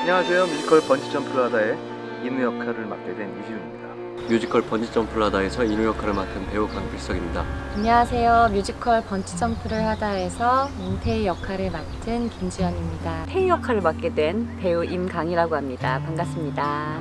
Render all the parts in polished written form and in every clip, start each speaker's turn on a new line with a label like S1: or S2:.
S1: 안녕하세요. 뮤지컬 번지점프를 하다의 인우 역할을 맡게 된 이지훈입니다.
S2: 뮤지컬 번지점프를 하다에서 인우 역할을 맡은 배우 강필석입니다.
S3: 안녕하세요. 뮤지컬 번지점프를 하다에서 태희 역할을 맡은 김지연입니다.
S4: 태희 역할을 맡게 된 배우 임강이라고 합니다. 반갑습니다.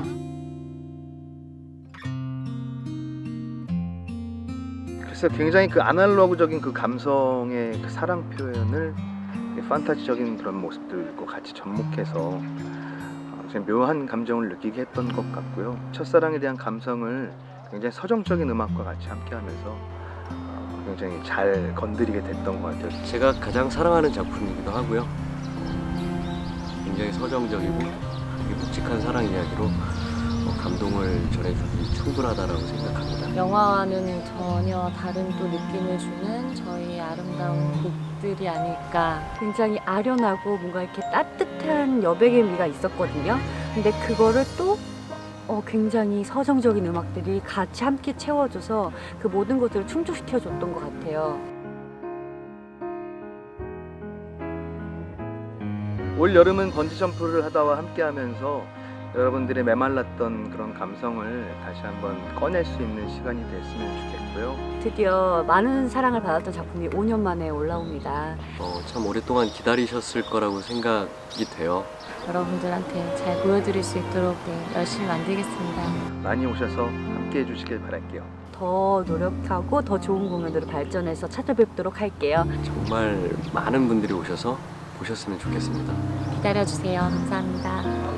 S1: 그래서 굉장히 그 아날로그적인 그 감성의 그 사랑 표현을 판타지적인 그런 모습들과 같이 접목해서 굉장히 묘한 감정을 느끼게 했던 것 같고요. 첫사랑에 대한 감성을 굉장히 서정적인 음악과 같이 함께하면서 굉장히 잘 건드리게 됐던 것 같아요.
S2: 제가 가장 사랑하는 작품이기도 하고요. 굉장히 서정적이고 묵직한 사랑 이야기로 감동을 전해주기 충분하다라고 생각합니다.
S3: 영화와는 전혀 다른 또 느낌을 주는 저희 아름다운 곡들이 아닐까.
S4: 굉장히 아련하고 뭔가 이렇게 따뜻한 여백의 미가 있었거든요. 근데 그거를 또 굉장히 서정적인 음악들이 같이 함께 채워줘서 그 모든 것들을 충족시켜줬던 것 같아요.
S1: 올 여름은 번지점프를 하다와 함께하면서 여러분들의 메말랐던 그런 감성을 다시 한번 꺼낼 수 있는 시간이 됐으면 좋겠고요.
S4: 드디어 많은 사랑을 받았던 작품이 5년 만에 올라옵니다.
S2: 참 오랫동안 기다리셨을 거라고 생각이 돼요.
S3: 여러분들한테 잘 보여드릴 수 있도록 열심히 만들겠습니다.
S1: 많이 오셔서 함께 해주시길 바랄게요.
S4: 더 노력하고 더 좋은 공연으로 발전해서 찾아뵙도록 할게요.
S2: 정말 많은 분들이 오셔서 보셨으면 좋겠습니다.
S3: 기다려주세요. 감사합니다.